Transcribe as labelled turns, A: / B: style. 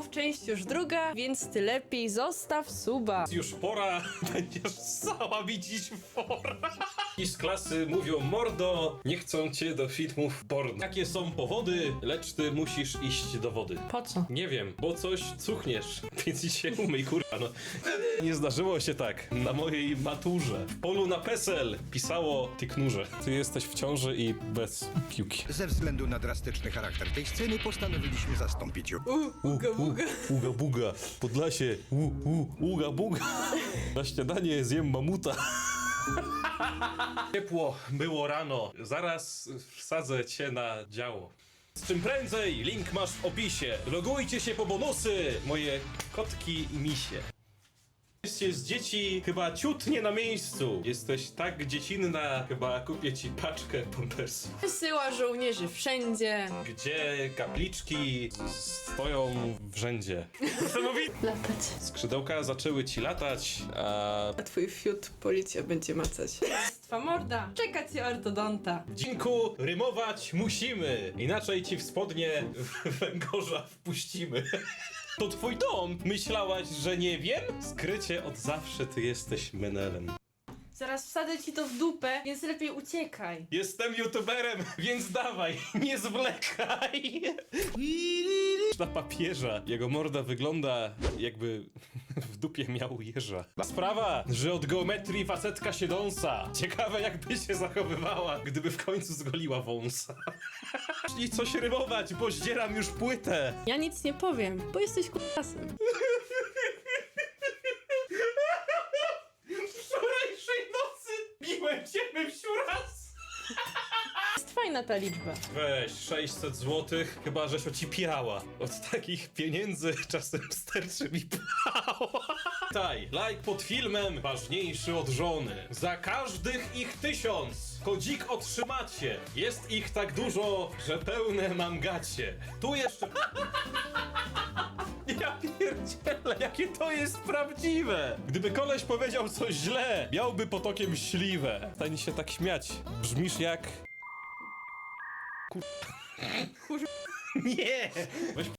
A: część już druga, więc ty lepiej zostaw suba.
B: Już pora, będziesz cała widzieć fora. I z klasy mówią: mordo, nie chcą cię do filmów porno. Jakie są powody, lecz ty musisz iść do wody.
A: Po co?
B: Nie wiem, bo coś cuchniesz, więc idź się umyj, kurwa, no. Nie zdarzyło się tak na mojej maturze. W polu na PESEL pisało: ty knurze, ty jesteś w ciąży i bez piłki.
C: Ze względu na drastyczny charakter tej sceny postanowiliśmy zastąpić ją.
A: Uga buga.
B: Uga buga, Podlasie, uga buga. Na śniadanie zjem mamuta. Ciepło było rano, zaraz wsadzę cię na działo. Z czym prędzej, link masz w opisie. Logujcie się po bonusy, moje kotki i misie. Jesteście z dzieci chyba ciut nie na miejscu. Jesteś tak dziecinna, chyba kupię ci paczkę pampersów.
A: Wysyła żołnierzy wszędzie.
B: Gdzie kapliczki stoją w rzędzie.
A: Latać.
B: Skrzydełka zaczęły ci latać,
A: A twój fiut policja będzie macać. Twa morda. Czeka cię ortodonta.
B: Dzinku, rymować musimy, inaczej ci w spodnie węgorza wpuścimy. To twój dom! Myślałaś, że nie wiem? Skrycie od zawsze ty jesteś menelem.
A: Zaraz wsadzę ci to w dupę, więc lepiej uciekaj.
B: Jestem youtuberem, więc dawaj, nie zwlekaj! Na papieża. Jego morda wygląda, jakby w dupie miał jeża. Sprawa, że od geometrii facetka się dąsa. Ciekawe, jakby się zachowywała, gdyby w końcu zgoliła wąsa. I coś rymować, bo zdzieram już płytę.
A: Ja nic nie powiem, bo jesteś k***asem.
B: Wczorajszej nocy biłem cię wsiuraz.
A: Jest fajna ta liczba.
B: Weź 600 złotych, chyba żeś ocipiała. Od takich pieniędzy czasem sterczy mi pała. Daj, like pod filmem ważniejszy od żony. Za każdych ich 1000 kodzik otrzymacie. Jest ich tak dużo, że pełne mam gacie. Tu jeszcze... Ja pierdzielę, jakie to jest prawdziwe! Gdyby koleś powiedział coś źle, miałby potokiem śliwę. Stań się tak śmiać. Brzmisz jak... Nie! Weź